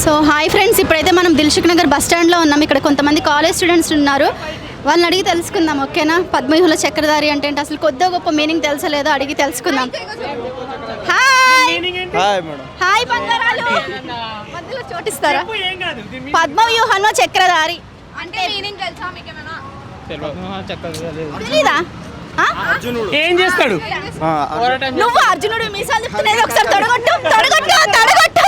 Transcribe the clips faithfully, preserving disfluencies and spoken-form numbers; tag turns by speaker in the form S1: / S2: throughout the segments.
S1: So hi friends, ఇప్పుడైతే మనం Dilsukh Nagar bus స్టాండ్లో ఉన్నాం. ఇక్కడ కొంతమంది కాలేజ్ స్టూడెంట్స్ ఉన్నారు, వాళ్ళని అడిగి తెలుసుకుందాం. ఓకేనా? పద్మవ్యూహంలో చక్రధారి అంటే ఏంటి, అసలు కొద్దిగా గొప్ప మీనింగ్ తెలుసలేదో అడిగి తెలుసుకుందాం. Hi
S2: hi madam.
S1: హాయ్ బంగారాలు, మధ్యలో చోటిస్తారా? పద్మవ్యూహంలో చక్రధారి
S3: అంటే మీనింగ్ తెలుసా మీకేమైనా?
S1: తెలీదా?
S4: ఏం చేస్తాడు?
S1: నువ్వు అర్జునుడు మీసాలు తిప్పుతున్నది ఒకసారి తొడగొట్టు తొడగొట్టు తొడగొట్టు.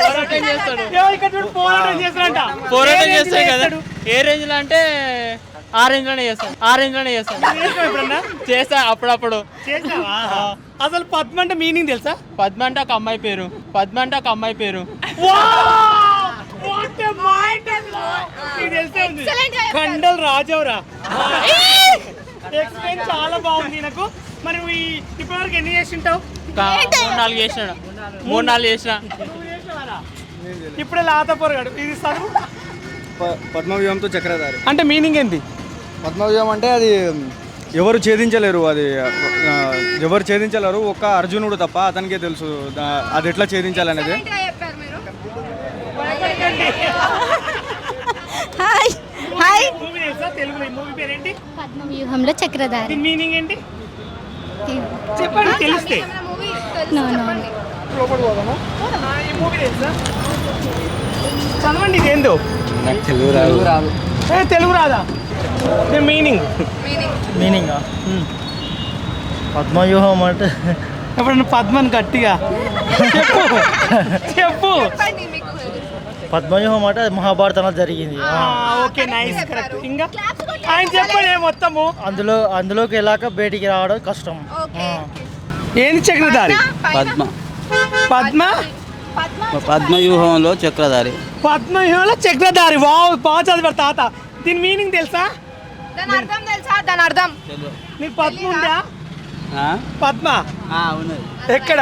S2: పోరాటం చేస్తాడు కదా. ఏ రేంజ్ లో అంటే ఆ రేంజ్ లోనే చేస్తాడు. ఆ రేంజ్ లోనే చేస్తాడు. చేస్తా అప్పుడప్పుడు.
S4: అసలు పద్మ అంటే మీనింగ్ తెలుసా?
S2: పద్మ అంటే ఒక అమ్మాయి పేరు. పద్మ అంటే ఒక అమ్మాయి పేరు.
S4: కండల్ రాజవరా. ఎక్స్ప్లెయిన్ చాలా బాగుంది నాకు. మరి ఇప్పటివరకు ఎన్ని చేసి ఉంటావు?
S2: మూడు నాలుగు చేసిన మూడు నాలుగు చేసిన
S4: ఇప్పుడే లాత పొరగాడు. ఇది చదువు.
S5: పద్మవ్యూహంతో చక్రధారి
S4: అంటే మీనింగ్ ఏంటి?
S5: పద్మవ్యూహం అంటే అది ఎవరు ఛేదించలేరు. అది ఎవరు ఛేదించలేరు, ఒక్క అర్జునుడు తప్ప అతనికే తెలుసు అది ఎట్లా ఛేదించాలనేది.
S1: Hi hi.
S4: మూవీ తెలుసా? తెలుగులో ఈ మూవీ పేరేంటి?
S1: పద్మవ్యూహంలో చక్రధారి.
S4: మీనింగ్ ఏంటి చెప్పండి తెలిస్తే.
S1: నో నో
S4: ఈ మూవీ తెలుసా? చదవండి. ఇది ఏందో
S5: తెలుగు రాదు.
S4: ఏ తెలుగు రాదా? మీనింగ్
S6: మీనింగ్ పద్మవ్యూహం అంటే
S4: ఎప్పుడన్నా పద్మని గట్టిగా చెప్పు చెప్పు.
S6: పద్మవ్యూహం అంటే మహాభారతంలో జరిగింది.
S4: Okay nice correct. ఇంకా ఆయన చెప్పండి మొత్తము.
S6: అందులో అందులోకి వెళ్ళాక బయటికి రావడం కష్టం.
S4: ఏంది చక్రధారి?
S7: పద్మ
S4: పద్మ
S7: పద్మవ్యూహంలో చక్రధారి.
S4: పద్మవ్యూహంలో చక్రధారి. వావ్, బాగా చదివారు తాత. దీని మీనింగ్ తెలుసా?
S3: దాని అర్థం తెలుసా? దాని అర్థం
S4: నీకు పద్మ ఉందా? పద్మ
S7: ఉన్నది.
S4: ఎక్కడ?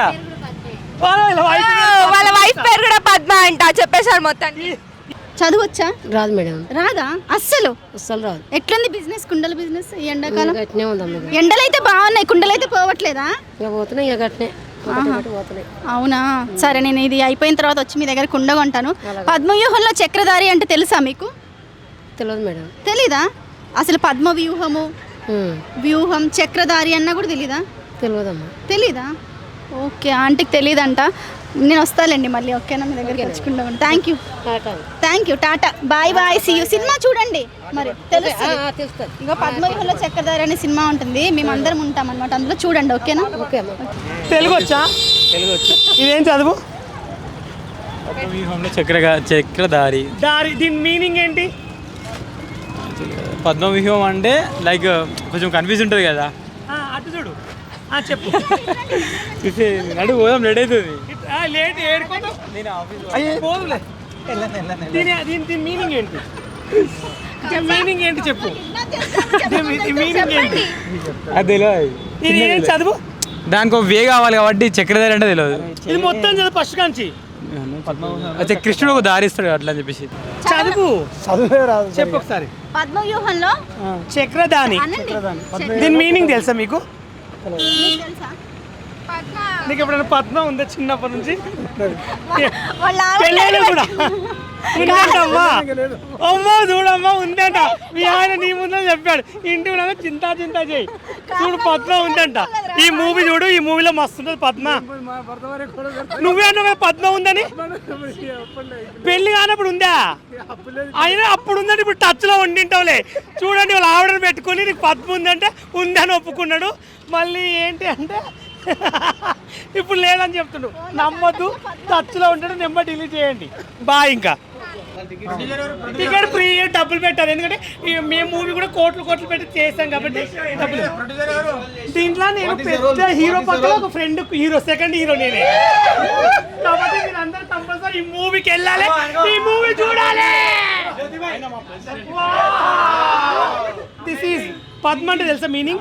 S3: వాళ్ళ వైఫ్ పేరు కూడా పద్మ అంట. చెప్పేశారు మొత్తానికి.
S1: చదవచ్చా?
S8: రాదు మేడం,
S1: రాదా అస్సలు?
S8: అస్సలు రాదు.
S1: ఎట్లుంది బిజినెస్, కుండల బిజినెస్ ఈ ఎండాకాలం?
S8: గట్నే ఉందమ్మ.
S1: ఎండలు అయితే బాగున్నాయి, కుండలు అయితే పోవట్లేదా?
S8: ఇక పోతున్నాయి, ఇక గట్నే పోతున్నాయి.
S1: అవునా? సరే, నేను ఇది అయిపోయిన తర్వాత వచ్చి మీ దగ్గర కుండ కొంటాను. పద్మవ్యూహంలో చక్రధారి అంటే తెలుసా మీకు?
S8: తెలియదు మేడం.
S1: తెలీదా? అసలు పద్మవ్యూహము వ్యూహం చక్రధారి అన్నా కూడా తెలీదా?
S8: తెలియదమ్మా.
S1: తెలీదా? ఓకే, ఆంటీకి తెలియదంట. నేను వస్తాలేండి మళ్ళీ. ఓకేనా? మీ దగ్గరికి వచ్చుకుంటాం. Thank you thank you tata bye bye see you. Cinema చూడండి మరి తెలుస్తుంది. ఇక పద్మవ్యూహంలో చక్రధారి అనే సినిమా ఉంటుంది, మేమందరం ఉంటాం అనమాట, అందులో చూడండి. ఓకేనా?
S8: ఓకే.
S4: తెలుగు వచ్చా?
S2: తెలుగు వచ్చు.
S4: ఇదేం చదువు?
S2: పద్మవ్యూహంలో చక్ర చక్రధారి.
S4: దారి. దీని మీనింగ్ ఏంటి?
S2: పద్మవ్యూహం అంటే లైక్ కొంచెం కన్ఫ్యూజ్ ఉంటుంది కదా.
S4: అటు చూడు. చెప్పు.
S2: నడు పోదాం, లేట్ అవుతుంది.
S4: లేట్ ఏడుకోదు. పోదులే. దీని దీని మీనింగ్ ఏంటి? మీనింగ్ ఏంటి చెప్పు. మీనింగ్ ఏంటి?
S2: అది తెలియదు.
S4: ఇది ఏం చదువు?
S2: దానికి ఒక వే కావాలి కాబట్టి చక్రధారి అంటే తెలియదు.
S4: ఇది మొత్తం చదువు ఫస్ట్ కాంచి.
S2: అయితే కృష్ణుడు ఒక దారి ఇస్తాడు అట్లా అని చెప్పేసి
S4: చదువు.
S5: చదువే రాదు.
S4: చెప్పు ఒకసారి.
S1: పద్మవ్యూహంలో
S4: చక్రధాని. దీని మీనింగ్ తెలుసా మీకు? నీకు ఎప్పుడైనా పద్మ ఉందా చిన్నప్పటి నుంచి? పెళ్ళైనా కూడా ఉందంటమ్మా. అమ్మా చూడమ్మా ఉందంట. మీ ఆయన నీ ముందే చెప్పాడు. ఇంటి కూడా చింతా చింతా చేయి చూడు, పద్మ ఉందంట. ఈ మూవీ చూడు, ఈ మూవీలో మస్తు ఉంటుంది పద్మ. నువ్వే అన్నావు కదా పద్మ ఉందని. పెళ్లి కానప్పుడు ఉందా? అయినా అప్పుడు ఉందంటే ఇప్పుడు టచ్ లో ఉండింటావులే. చూడండి, వాళ్ళు ఆవిడని పెట్టుకుని నీకు పద్మ ఉందంటే ఉందని ఒప్పుకున్నాడు. మళ్ళీ ఏంటి అంటే ఇప్పుడు లేదని చెప్తుండు. నమ్మొద్దు, టచ్లో ఉంటాడు. నెంబర్ డిలీట్ చేయండి. బాయ్. ఇంకా టికెట్ ఫ్రీ, డబ్బులు పెట్టారు. ఎందుకంటే మేము మూవీ కూడా కోట్లు కోట్లు పెట్టి చేసాం కాబట్టి డబ్బులు. దీంట్లో నేను పెద్ద హీరో పక్కన ఒక ఫ్రెండ్ హీరో, సెకండ్ హీరో నేనే. కాబట్టి మీరు అందరూ కంపల్సరీ ఈ మూవీకి వెళ్ళాలి, ఈ మూవీ చూడాలి. దిస్ ఈజ్ పద్మ అంటే తెలుసా మీనింగ్?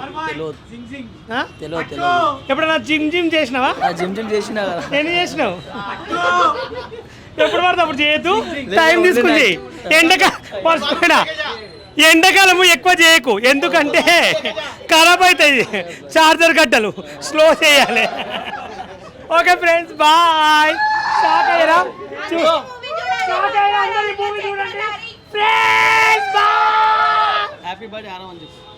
S4: ఎప్పుడన్నా జిమ్ జిమ్ చేసినావా?
S7: జిమ్ జిమ్ చేసినా కదా.
S4: ఎన్ని చేసినావు? ఎప్పుడు పడితే అప్పుడు చేయొద్దు, టైం తీసుకుంది. ఎండక మర్చిపోయినా, ఎండాకాలము ఎక్కువ చేయకు, ఎందుకంటే ఖరాబ్ అవుతాయి చార్జర్ గడ్డలు. స్లో చేయాలి. Okay friends, bye. షాక్ అయ్యారా? షాక్ అయ్యారా? అందరూ ఈ మూవీ చూడండి.
S7: హ్యాపీ బర్త్డే ఆరామని చెప్పు